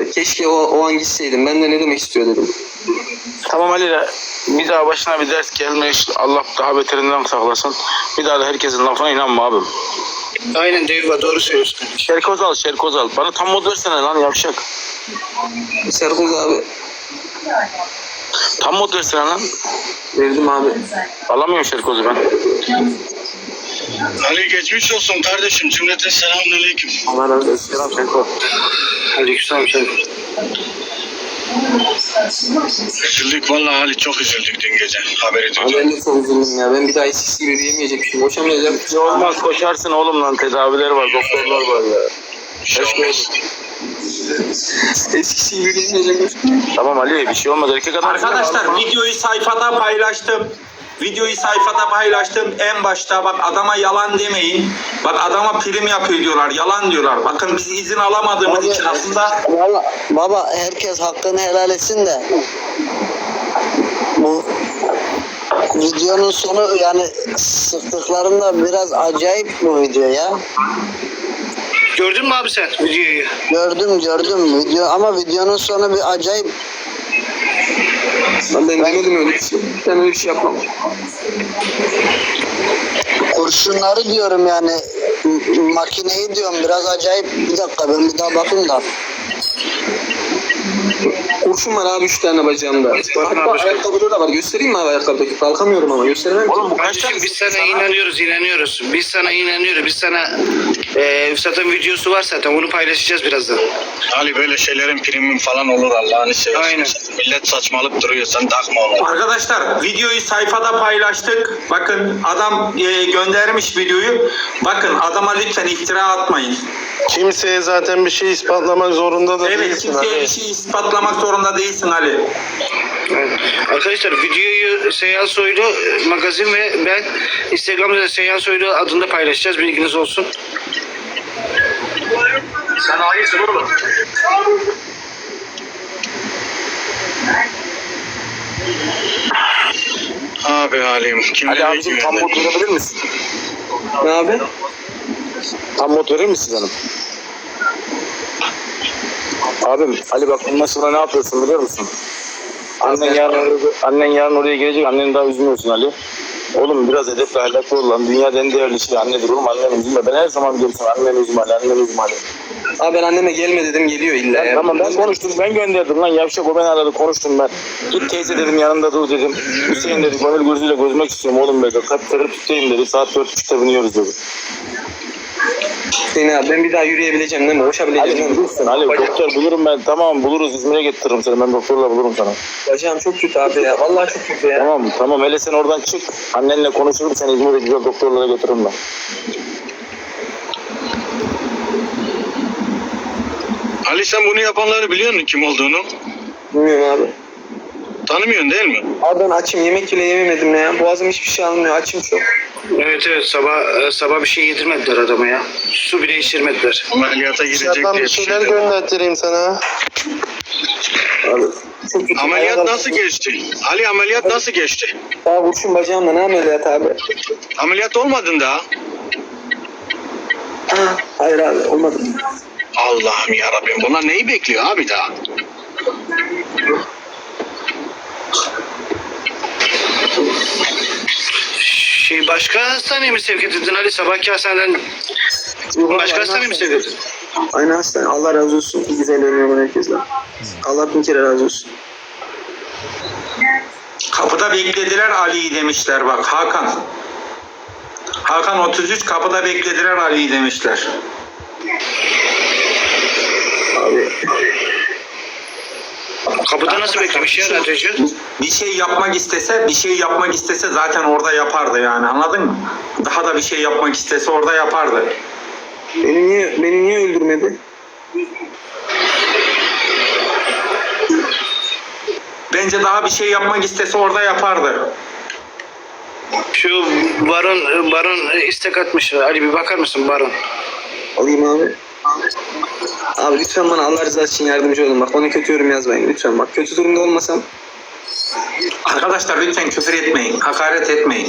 abi. Keşke o an gitseydim. Ben de ne demek istiyor dedim. Tamam Ali, bir daha başına bir ders gelmiş. Allah daha beterinden saklasın. Bir daha da herkesin lafına inanma abim. Aynen Deyva, doğru söylüyorsun. Şerkoz al. Bana tam mod versene lan yavşak. Serkoz abi. Tam mod versene lan. Verdim abi. Alamıyorum Şerkoz'u ben. Ali geçmiş olsun kardeşim. Cümleten selamünaleyküm. Allah razı olsun. Selam Şerkoz. Aleykümselam sen. Üzüldük vallahi Ali, çok üzüldük dün gece. Haberi Abi duydum. ben de çok üzüldüm ya. Ben bir daha eskisi gibi yürüyemeyecekmişim. Koşamayacağım. Ne olmaz, koşarsın oğlum lan, tedaviler var, doktorlar var ya. Bir şey olmaz. Eskisi gibi yürüyemeyecekmişim. Tamam Ali, bir şey olmaz, erkek adam. Arkadaşlar videoyu sayfada paylaştım. En başta bak, adama yalan demeyin. Bak, adama prim yapıyor diyorlar. Yalan diyorlar. Bakın biz izin alamadığımız için aslında Valla baba, herkes hakkını helal etsin de bu videonun sonu, yani sıktıklarında biraz acayip bu video ya. Gördün mü abi sen videoyu? Gördüm video, ama videonun sonu bir acayip. Ben demedim öyle bir şey. Ben öyle bir şey yapmam. Kurşunları diyorum yani, makineyi diyorum, biraz acayip. Bir dakika, ben bir daha bakayım da. Kurşun var abi 3 tane bacağımda. Hatta ayakkabıda da var. Göstereyim mi abi ayakkabıdaki? Kalkamıyorum ama gösteremem. Oğlum bu kaç tane? Kardeşim biz sana inanıyoruz. Biz sana zaten videosu var zaten, onu paylaşacağız birazdan. Ali, böyle şeylerin primi falan olur Allah'ını seversen. Aynen. Millet saçmalık duruyor, sen takma onu. arkadaşlar videoyu sayfada paylaştık. Bakın adam göndermiş videoyu. Bakın adama lütfen iftira atmayın. Kimseye zaten bir şey ispatlamak zorunda da Evet, değilsin. kimseye bir şey ispatlamak zorunda değilsin Ali. Evet. Arkadaşlar videoyu Seyhan Soylu magazin ve ben Instagram'da Seyhan Soylu adında paylaşacağız, bilginiz olsun. Sen hayırsın oğlum. Abi Halim, Ali abicim tam mod verebilir misin? Ne abi? Tam mod verir misin canım? Abim Ali bak, bundan sonra ne yapıyorsun biliyor musun? Annen yarın oraya gelecek, anneni daha üzmüyorsun Ali. Oğlum biraz edepli ahlaklı ol lan. Dünyada en değerli şey annedir oğlum, anneni üzülme. Ben her zaman diyorum sana, anneni üzme Ali. Abi ben anneme gelme dedim, geliyor illa ya. Tamam, ben konuştum, ben gönderdim lan yavşak, o beni aradı, konuştum ben. Git teyze dedim, yanında dur dedim. Hüseyin dedi, gönül gözüyle gözmek istiyorum oğlum dedi. Kalp kırıp tutayım dedi, saat 4.30'da biniyoruz dedi. Hüseyin abi ben bir daha yürüyebileceğim değil mi? Koşabileceğim Ali değil mi? bulursun Ali, doktor bulurum ben, tamam buluruz, İzmir'e getiririm seni, ben doktorla bulurum sana. Bacağım çok kötü abi ya. Vallahi çok kötü ya. Tamam hele sen oradan çık, annenle konuşurum, seni İzmir'e güzel doktorlara götürürüm ben. Ali, sen bunu yapanları biliyor musun kim olduğunu? Bilmiyorum abi. Tanımıyorsun değil mi? Abi ben açım, yemek bile yememedim ne ya. Boğazım hiçbir şey almıyor, açım çok. Evet, sabah bir şey yedirmediler adama ya. Su bile içirmediler. Ameliyata girecek Dışarıdan diye bir şeyler gönderttireyim sana. Abi çok kötü. Ameliyat Ayağa nasıl geçti? Ali, ameliyat nasıl geçti? Daha kurşun bacağımda, ne ameliyat abi? Ameliyat olmadın daha. Ha, hayır abi olmadı. Allah'ım yarabbim, bunlar neyi bekliyor abi daha? Başka hastaneye mi sevk edildin Ali? Sabahki hastaneden başka hastaneye mi sevk edildin? Aynı hastane. Allah razı olsun. İyi güzel önüyor herkesle. Allah bin kere razı olsun. Kapıda beklediler Ali'yi demişler bak, Hakan. Hakan 33 kapıda beklediler Ali'yi demişler. Abi Kapıda nasıl beklemiş ya radyocu? Bir şey yapmak istese zaten orada yapardı yani, anladın mı? Daha da bir şey yapmak istese orada yapardı. beni niye öldürmedi? Bence daha bir şey yapmak istese orada yapardı. Şu Baron istek atmış. Ali bir bakar mısın Baron? Alayım abi. Abi lütfen bana Allah rızası için yardımcı olun. Bak bana kötü yorum yazmayın lütfen. Bak kötü durumda olmasam. Arkadaşlar lütfen küfür etmeyin, hakaret etmeyin.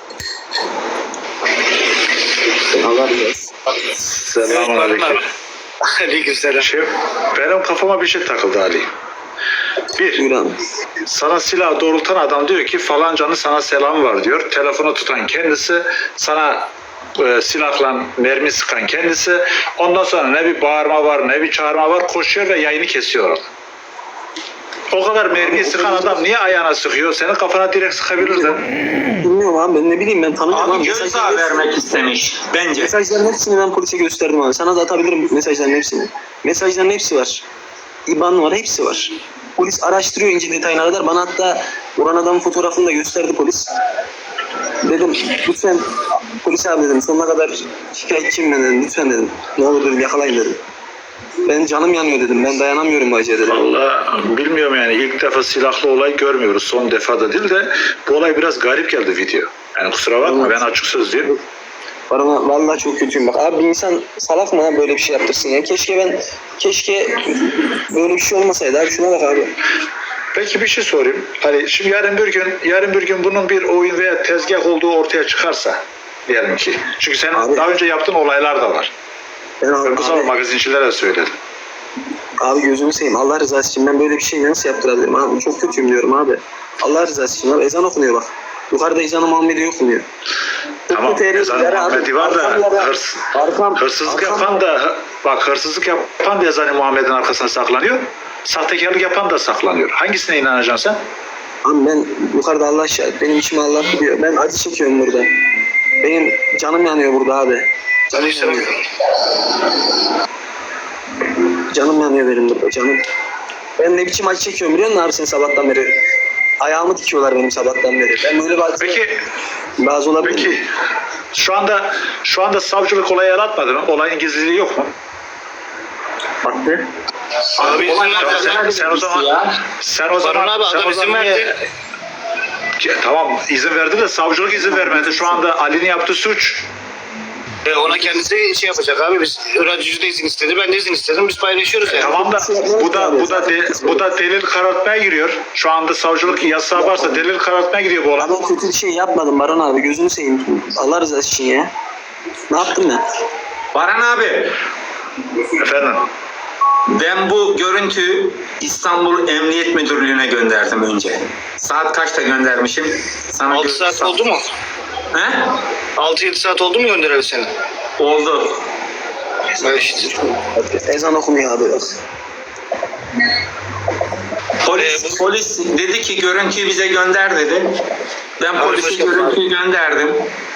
Allah rızası. Selamünaleyküm. Aleykümselam. Benim kafama bir şey takıldı Ali. Bir, Buyur abi. sana silah doğrultan adam diyor ki falancanın sana selamı var diyor. Telefonu tutan kendisi, sana silahla mermi sıkan kendisi. Ondan sonra ne bir bağırma var ne bir çağırma var, koşuyor ve yayını kesiyor orada. O kadar mermiyi sıkan adam niye ayağına sıkıyor? Senin kafana direkt sıkabilirdi. Bilmiyorum abi, ben ne bileyim, ben tanımıyorum Abi abi. gözdağı vermek istemiş bence. Mesajların hepsini ben polise gösterdim abi. Sana da atabilirim mesajların hepsini. Mesajların hepsi var. İban var, hepsi var. Polis araştırıyor ince detayına kadar. Bana hatta vuran adamın fotoğrafını da gösterdi polis. Dedim lütfen polis abi dedim, sonuna kadar şikayetçiyim ben dedim. Lütfen dedim. Ne olur dedim, yakalayın dedim. Ben canım yanıyor dedim. Ben dayanamıyorum bu acıya dedim. Vallahi bilmiyorum yani, ilk defa silahlı olay görmüyoruz. Son defa da değil de bu olay biraz garip geldi video. Yani kusura bakma, ben açık sözlüyüm. Bana vallahi çok kötüyüm bak. Abi bir insan salak mı ha böyle bir şey yaptırsın ya? Keşke böyle bir şey olmasaydı abi. Şuna bak abi. Peki bir şey sorayım. Hani şimdi yarın bir gün bunun bir oyun veya tezgah olduğu ortaya çıkarsa diyelim ki. Çünkü senin Abi, daha önce yaptığın olaylar da var. Ben Bu zaman abi, magazincilere de söyledim. abi gözümü seveyim. Allah rızası için ben böyle bir şey nasıl yaptırabilirim abi? Çok kötüyüm diyorum abi. Allah rızası için abi. Ezan okunuyor bak. Yukarıda ezan-ı Muhammedi okunuyor. Tamam, ezan-ı Muhammedi var da hırsızlık yapan da bak, hırsızlık yapan da ezan-ı Muhammed'in arkasına saklanıyor. Sahtekarlık yapan da saklanıyor. Hangisine inanacaksın sen? Abi ben yukarıda Allah şahit. Benim içime Allah biliyor. Ben acı çekiyorum burada. Benim canım yanıyor burada abi. Canım yanıyor. Canım yanıyor benim burada, canım. Ben ne biçim acı çekiyorum biliyor musun abi sen sabahtan beri? Ayağımı dikiyorlar benim sabahtan beri. Ben böyle bazı olabilir. Peki şu anda savcılık olayı el atmadı mı? Olayın gizliliği yok mu? Baktı. Abi izin ver. Sen o zaman Baran abi adam izin verdi. Tamam, izin verdi de savcılık izin vermedi. Şu anda Ali'nin yaptığı suç. Ona kendisi şey yapacak abi, biz radyocu da izin istedi, ben de izin istedim, biz paylaşıyoruz yani. Tamam da bu da delil karartmaya giriyor. Şu anda savcılık yasağı varsa delil karartmaya giriyor bu olay. Ama kötü bir şey yapmadım Baran abi, gözünü seveyim. Allah rızası için ya. Ne yaptım ben? Baran abi, Efendim? ben bu görüntüyü İstanbul Emniyet Müdürlüğü'ne gönderdim önce. Saat kaçta göndermişim? Sana 6 saat oldu mu? He? 6-7 saat oldu mu göndereli seni? Oldu. Evet işte. Ezan okunuyor abi bak. Polis dedi ki görüntüyü bize gönder dedi. Ben polise görüntüyü gönderdim.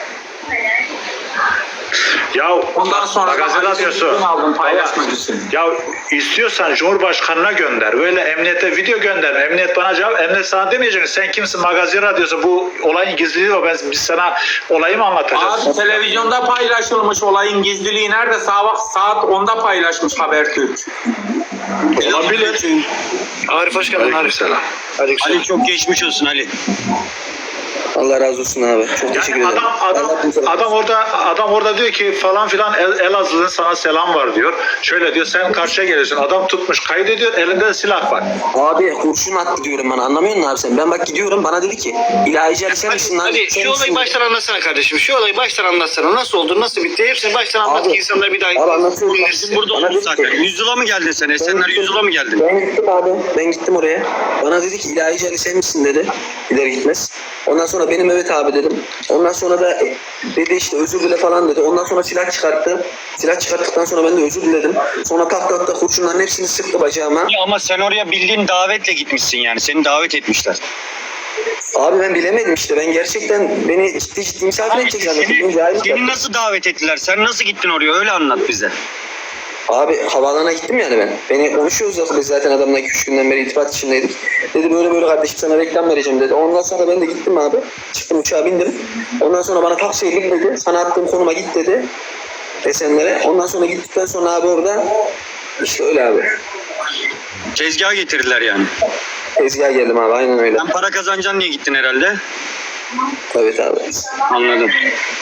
Ya Ondan sonra magazin radyosu. aldım paylaşmak için. Ya istiyorsan Cumhurbaşkanına gönder. Böyle emniyete video gönder. Emniyet bana cevap. Emniyet sana demeyecek. Sen kimsin? Magazin radyosu. Bu olayın gizliliği var. Biz sana olayı mı anlatacağız? Abi televizyonda paylaşılmış, olayın gizliliği nerede? Saat 10'da paylaşmış Habertürk. Olabilir. Arif hoş geldin Arif. Aleykümselam. Ali çok geçmiş olsun Ali. Allah razı olsun abi. Çok teşekkür Yani ederim. adam orada diyor ki falan filan Elazığ'ın sana selam var diyor. Şöyle diyor, sen karşıya geliyorsun. Adam tutmuş kaydediyor, elinde de silah var. Abi kurşun attı diyorum bana, anlamıyor musun abi sen? Ben bak gidiyorum, bana dedi ki ilahici Ali sen misin lan? Hadi Sen şu olayı misin? baştan anlatsana kardeşim. Şu olayı baştan anlatsana. Nasıl oldu, nasıl bitti? Hepsini baştan anlat Abi, ki insanlar bir daha Abi anlatıyorum. dinlesin. Burada Bana olduk dedi zaten. ki- Yüzyıla mı geldin sen? Esenler Yüzyıla mı geldin? Ben gittim abi. Ben gittim oraya. Bana dedi ki ilahici Ali sen misin dedi. Gider gitmez. Ondan sonra benim evet abi dedim. Ondan sonra da dedi işte özür dile falan dedi. Ondan sonra silah çıkarttı. Silah çıkarttıktan sonra ben de özür diledim. Sonra tak kurşunların hepsini sıktı bacağıma. Ya ama sen oraya bildiğin davetle gitmişsin yani. Seni davet etmişler. Abi ben bilemedim işte. Ben gerçekten beni ciddi misafir edecek zannettim. Seni nasıl davet ettiler? Sen nasıl gittin oraya? Öyle anlat bize. Abi havaalanına gittim yani ben. Beni konuşuyoruz biz zaten adamla 2-3 günden beri irtibat içindeydik. Dedi böyle kardeşim sana reklam vereceğim dedi. Ondan sonra ben de gittim abi. Çıktım uçağa bindim. Ondan sonra bana taksiye bin dedi. Sana attığım konuma git dedi. Esenlere. Ondan sonra gittikten sonra abi orada işte öyle abi. Tezgaha getirdiler yani. Tezgaha geldim abi, aynen öyle. Sen para kazanacaksın diye gittin herhalde. Evet abi. Anladım.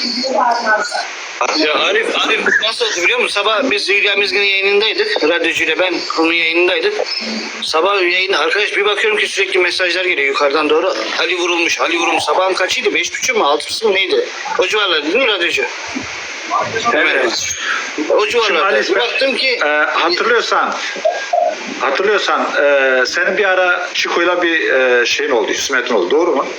Ya Arif nasıl oldu biliyor musun? Sabah biz Hülya Mizgin'in yayınındaydık. Radyocuyla ben onun yayınındaydık. Sabah yayında arkadaş bir bakıyorum ki sürekli mesajlar geliyor yukarıdan doğru. Ali vurulmuş. Sabahın kaçıydı? 5.30 mu 6'sı mı neydi? O civarlarda değil mi radyocu? Evet. O Şimdi civarlarda. Ali, Baktım ki hatırlıyorsan senin bir ara Çiko'yla bir şeyin oldu, husmetin oldu, doğru mu?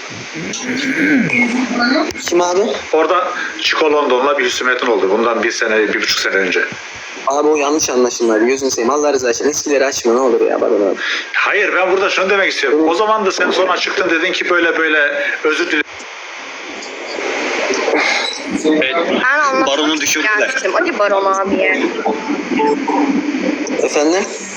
Kim abi? Orada Çiko London'la bir husmetin oldu. Bundan 1,5 sene önce. Abi o yanlış anlaşılma abi. Gözünü seveyim. Allah rızası için eskileri açma ne olur ya. Bana abi. Hayır, ben burada şunu demek istiyorum. O zaman da sen sonra çıktın, dedin ki böyle özür dilerim. Baronu düşürdüler. Hadi Baron abi yani. Efendim?